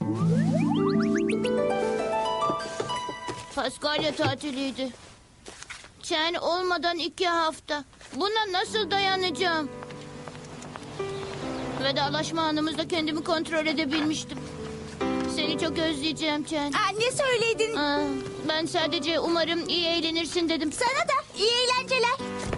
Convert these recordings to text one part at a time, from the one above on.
Paskalya tatiliydi. Çen olmadan 2 hafta. Buna nasıl dayanacağım? Vedalaşma anımızda kendimi kontrol edebilmiştim. Seni çok özleyeceğim Çen. Ne söyledin? Ben sadece umarım iyi eğlenirsin dedim. Sana da iyi eğlenceler.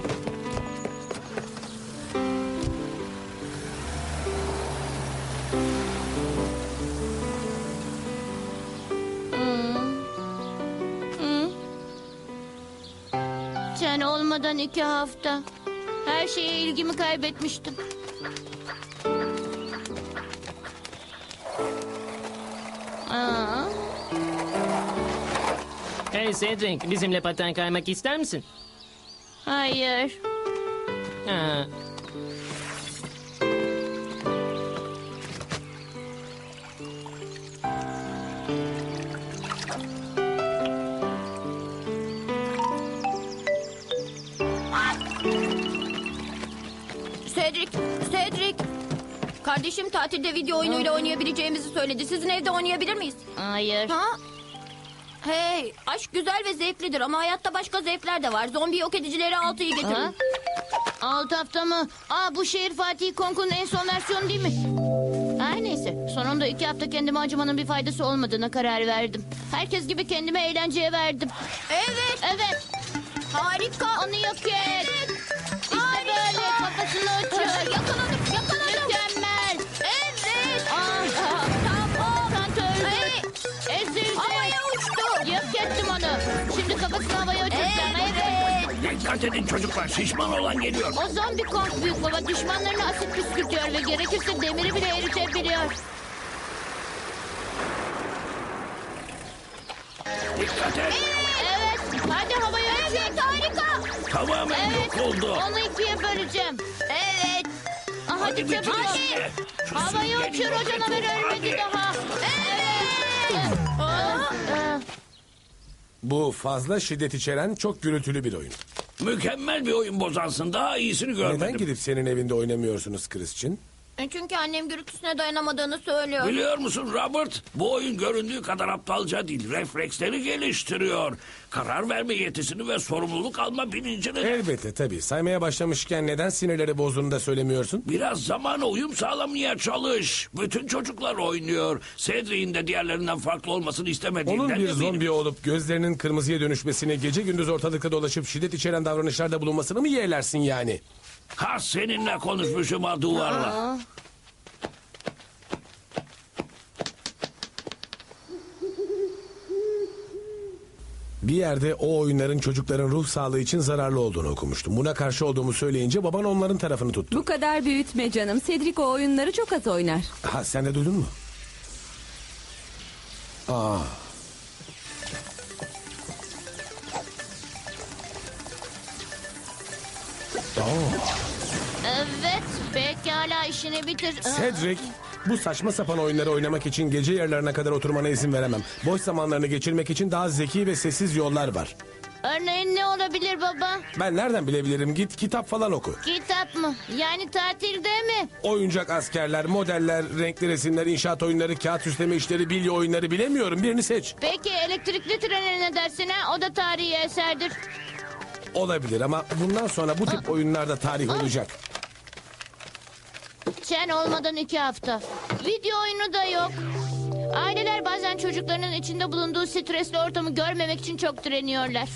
Çen olmadan 2 hafta. Her şeye ilgimi kaybetmiştim. Hey Cedric, bizimle paten kaymak ister misin? Hayır. Ha. Cedric. Kardeşim tatilde video oyunuyla oynayabileceğimizi söyledi. Sizin evde oynayabilir miyiz? Hayır. Ha? Hey, aşk güzel ve zevklidir ama hayatta başka zevkler de var. Zombi yok edicileri 6'yı Ha? getirin. 6 hafta mı? Bu şehir Fatih Konku'nun en son versiyonu değil mi? Her neyse. Sonunda 2 hafta kendime acımanın bir faydası olmadığına karar verdim. Herkes gibi kendime eğlenceye verdim. Evet. Evet. Harika. Onu yok et. İşte böyle kafasını uçur. Yakaladım. Mükemmel. Evet. Tamam. Kant öldü. Hey. Ezildi. Havaya uçtu. Yok ettim onu. Şimdi kafasını havaya uçuracağım. Evet. Dikkat edin çocuklar, şişman olan geliyor. O zombi Kong büyük baba düşmanlarına asit püskürtüyor ve gerekirse demiri bile eritebiliyor. Dikkat et. Evet. Hadi havaya uçur. Evet, harika. Tamamen Evet. yok oldu. Onu 2'ye böleceğim. Evet. Hadi bitir çabuk ol. işini. Şu Havaya süngeri uçur, o yok canavar edin, ölmedi hadi. daha. Evet. Bu fazla şiddet içeren çok gürültülü bir oyun. Mükemmel bir oyun bozansın. Daha iyisini görmedim. Neden gidip senin evinde oynamıyorsunuz Christian? Çünkü annem gürültüsüne dayanamadığını söylüyor. Biliyor musun Robert? Bu oyun göründüğü kadar aptalca değil. Refleksleri geliştiriyor. Karar verme yetisini ve sorumluluk alma bilincini. Elbette tabii. Saymaya başlamışken neden sinirleri bozduğunu da söylemiyorsun? Biraz zamana uyum sağlamaya çalış. Bütün çocuklar oynuyor. Cedric'in de diğerlerinden farklı olmasını istemediğinden Onun bir eminim. zombi olup gözlerinin kırmızıya dönüşmesini, gece gündüz ortalıkta dolaşıp şiddet içeren davranışlarda bulunmasını mı yeğlersin yani? Ha seninle konuşmuşum ha duvarla. Bir yerde o oyunların çocukların ruh sağlığı için zararlı olduğunu okumuştum. Buna karşı olduğumu söyleyince baban onların tarafını tuttu. Bu kadar büyütme canım. Cedric o oyunları çok az oynar. Ha sen de duydun mu? Aa. Evet. Pekala işini bitir. Cedric, bu saçma sapan oyunları oynamak için gece yarılarına kadar oturmana izin veremem. Boş zamanlarını geçirmek için daha zeki ve sessiz yollar var. Örneğin ne olabilir baba? Ben nereden bilebilirim? Git kitap falan oku. Kitap mı? Yani tatilde mi? Oyuncak askerler, modeller, renkli resimler, inşaat oyunları, kağıt süsleme işleri, bilye oyunları bilemiyorum. Birini seç. Peki elektrikli trene ne dersin ha? O da tarihi eserdir. Olabilir ama bundan sonra bu tip oyunlarda tarih olacak. Çen olmadan 2 hafta. Video oyunu da yok. Aileler bazen çocuklarının içinde bulunduğu stresli ortamı görmemek için çok direniyorlar.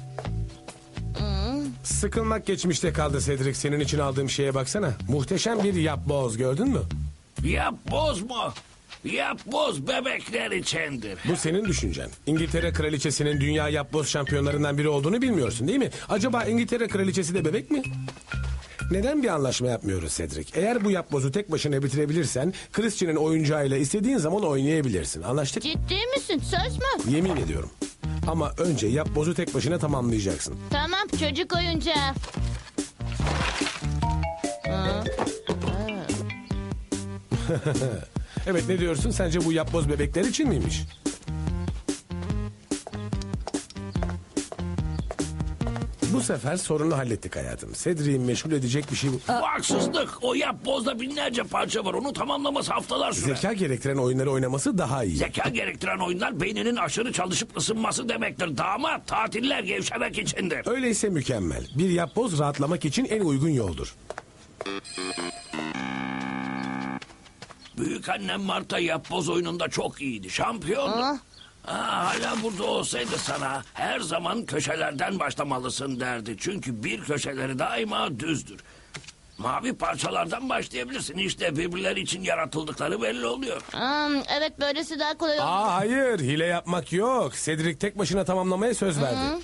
Sıkılmak geçmişte kaldı Cedric. Senin için aldığım şeye baksana. Muhteşem bir yapboz gördün mü? Yap boz mu? Yap boz bebekler içindir. Bu senin düşüncen. İngiltere kraliçesinin dünya yapboz şampiyonlarından biri olduğunu bilmiyorsun değil mi? Acaba İngiltere kraliçesi de bebek mi? Neden bir anlaşma yapmıyoruz Cedric? Eğer bu yapbozu tek başına bitirebilirsen Christian'ın oyuncağıyla istediğin zaman oynayabilirsin. Anlaştık? Ciddi misin? Söz mü? Yemin ediyorum. Ama önce yapbozu tek başına tamamlayacaksın. Tamam çocuk oyuncağı. Evet ne diyorsun? Sence bu yapboz bebekler için miymiş? Bu sefer sorunu hallettik hayatım. Cedric'i meşgul edecek bir şey bu. Bu haksızlık. O yapbozda binlerce parça var. Onu tamamlaması haftalar sürer. Zeka gerektiren oyunları oynaması daha iyi. Zeka gerektiren oyunlar beyninin aşırı çalışıp ısınması demektir. Damat tatiller gevşemek içindir. Öyleyse mükemmel. Bir yapboz rahatlamak için en uygun yoldur. Büyükannem Marta yapboz oyununda çok iyiydi. Şampiyondu. Aa. Hala burada olsaydı sana her zaman köşelerden başlamalısın derdi. Çünkü bir köşeleri daima düzdür. Mavi parçalardan başlayabilirsin. İşte birbirleri için yaratıldıkları belli oluyor. Evet, böylesi daha kolay oldu. Hayır, hile yapmak yok. Cedric tek başına tamamlamaya söz verdi.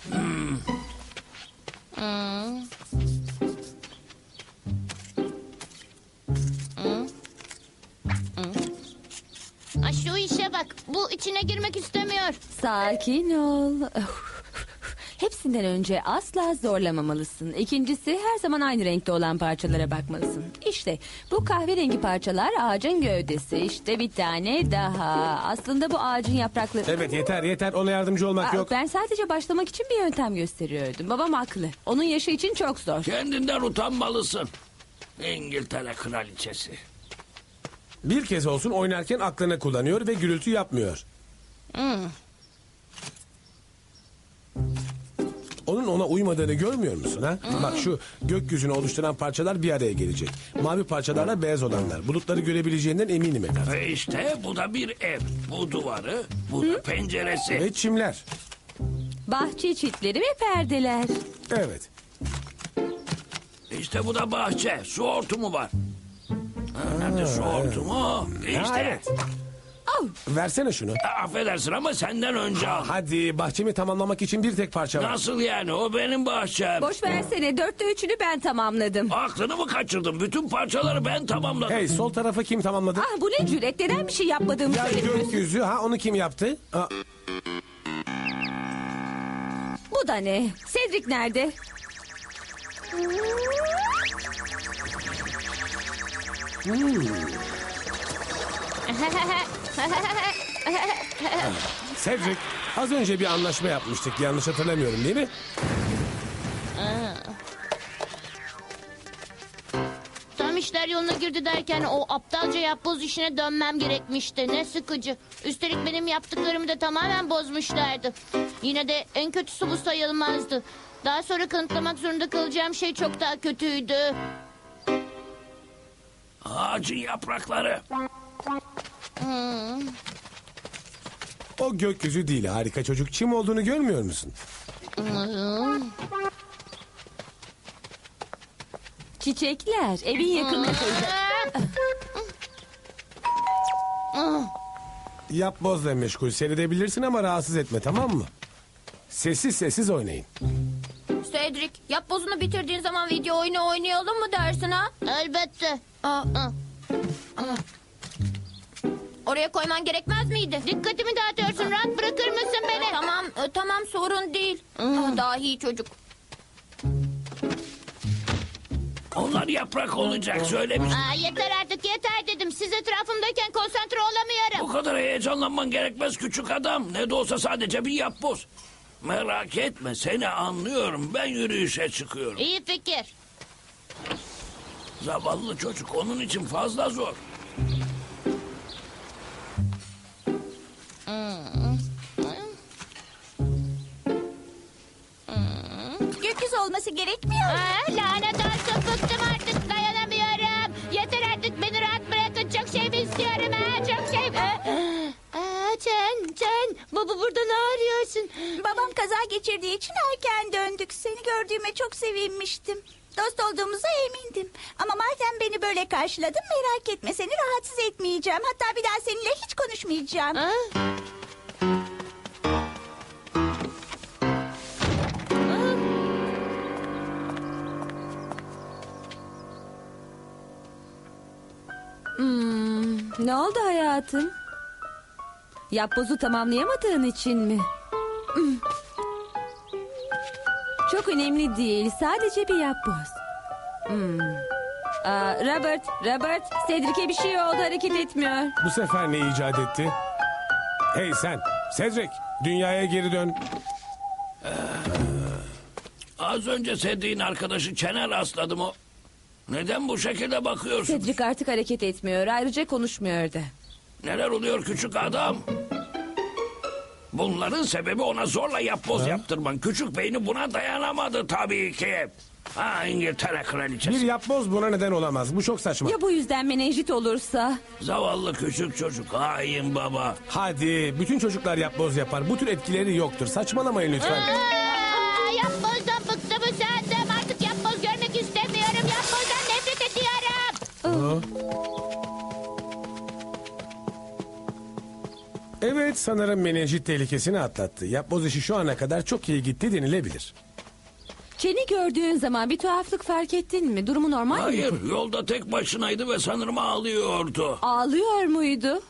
Ay, şu işe bak. Bu içine girmek istemiyor. Sakin ol. Hepsinden önce asla zorlamamalısın. İkincisi her zaman aynı renkte olan parçalara bakmalısın. İşte bu kahverengi parçalar ağacın gövdesi. İşte bir tane daha. Aslında bu ağacın yaprakları... Evet, yeter. Ona yardımcı olmak yok. Ben sadece başlamak için bir yöntem gösteriyordum. Babam haklı. Onun yaşı için çok zor. Kendinden utanmalısın. İngiltere kraliçesi. Bir kez olsun oynarken aklını kullanıyor ve gürültü yapmıyor. Onun ona uymadığını görmüyor musun ha? Bak şu gökyüzünü oluşturan parçalar bir araya gelecek. Mavi parçalarla beyaz olanlar. Bulutları görebileceğinden eminim Eder. Ve işte bu da bir ev. Bu duvarı, bu da penceresi. Ve çimler. Bahçe çitleri ve perdeler. Evet. İşte bu da bahçe. Su hortumu var. Nerede su hortumu? İşte. Ha, evet. Versene şunu. Affedersin ama senden önce al. Hadi bahçemi tamamlamak için bir tek parça var. Nasıl yani? O benim bahçem. Boş versene, 3'ünü ben tamamladım. Aklını mı kaçırdın? Bütün parçaları ben tamamladım. Hey, sol tarafı kim tamamladı? Ah, bu ne cüret, neden bir şey yapmadığımı Ya söylemiyorsun? gökyüzü ha, onu kim yaptı? Aa, Bu da ne? Cedric nerede? Cedric, az önce bir anlaşma yapmıştık. Yanlış hatırlamıyorum değil mi? Tam işler yoluna girdi derken o aptalca yapboz işine dönmem gerekmişti. Ne sıkıcı. Üstelik benim yaptıklarımı da tamamen bozmuşlardı. Yine de en kötüsü bu sayılmazdı. Daha sonra kanıtlamak zorunda kalacağım şey çok daha kötüydü. Ağacın yaprakları. O gökyüzü değil, harika çocuk. Çim olduğunu görmüyor musun? Çiçekler, evin yakınındaydı. Yapbozla meşgul seyredebilirsin ama rahatsız etme, tamam mı? Sessiz oynayın. Cedric, yapbozunu bitirdiğin zaman video oyunu oynayalım mı dersin ha? Elbette. Aa, oraya koyman gerekmez miydi? Dikkatimi dağıtıyorsun. Rahat bırakır mısın beni? Tamam sorun değil. Dahi çocuk. Onlar yaprak olacak söylemiş. Yeter artık, yeter dedim. Siz etrafımdayken konsantre olamıyorum. Bu kadar heyecanlanman gerekmez küçük adam. Ne de olsa sadece bir yapboz. Merak etme seni anlıyorum. Ben yürüyüşe çıkıyorum. İyi fikir. Zavallı çocuk onun için fazla zor. Gökyüzü olması gerekmiyor. Lanet olsun, bıktım artık, dayanamıyorum. Yeter artık, beni rahat bırakın. Çok şey mi istiyorum çok şey. Can, baba burada ne arıyorsun? Babam kaza geçirdiği için erken döndük. Seni gördüğüme çok sevinmiştim. Dost olduğumuza emindim. Ama madem beni böyle karşıladın, merak etme, seni rahatsız etmeyeceğim. Hatta bir daha seninle hiç konuşmayacağım. Ne oldu hayatım? Yapbozu tamamlayamadığın için mi? Çok önemli değil. Sadece bir yapboz. Robert, Cedric'e bir şey oldu, hareket etmiyor. Bu sefer ne icat etti? Hey sen, Cedric, dünyaya geri dön. Az önce Cedric'in arkadaşı Çen'e rastladım o. Neden bu şekilde bakıyorsun? Cedric artık hareket etmiyor. Ayrıca konuşmuyor da. Neler oluyor küçük adam? Bunların sebebi ona zorla yapboz yaptırman. Küçük beyni buna dayanamadı tabii ki. Ha, İngiltere kraliçesi. Bir yapboz buna neden olamaz. Bu çok saçma. Ya bu yüzden menenjit olursa? Zavallı küçük çocuk. Hain baba. Hadi bütün çocuklar yapboz yapar. Bu tür etkileri yoktur. Saçmalamayın lütfen. Yapbozdan bıktım usandım. Artık yapboz görmek istemiyorum. Yapbozdan nefret ediyorum. Evet, sanırım menenjit tehlikesini atlattı. Yapboz işi şu ana kadar çok iyi gitti denilebilir. Çeni gördüğün zaman bir tuhaflık fark ettin mi? Durumu normal mi? Hayır, yolda tek başınaydı ve sanırım ağlıyordu. Ağlıyor muydu?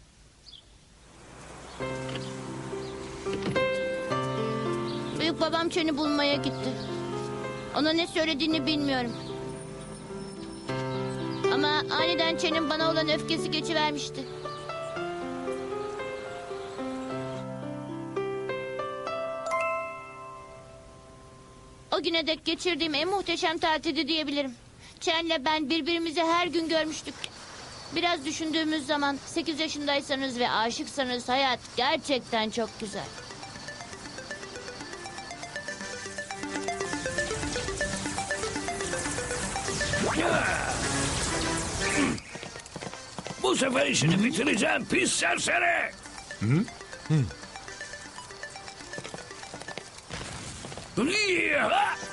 Büyük babam Çen'i bulmaya gitti. Ona ne söylediğini bilmiyorum. Ama aniden Çen'in bana olan öfkesi geçivermişti. O güne dek geçirdiğim en muhteşem tatildi diyebilirim. Çen'le ben birbirimizi her gün görmüştük. Biraz düşündüğümüz zaman 8 yaşındaysanız ve aşıksanız hayat gerçekten çok güzel. Bu sefer işini bitireceğim pis serseri. Hı?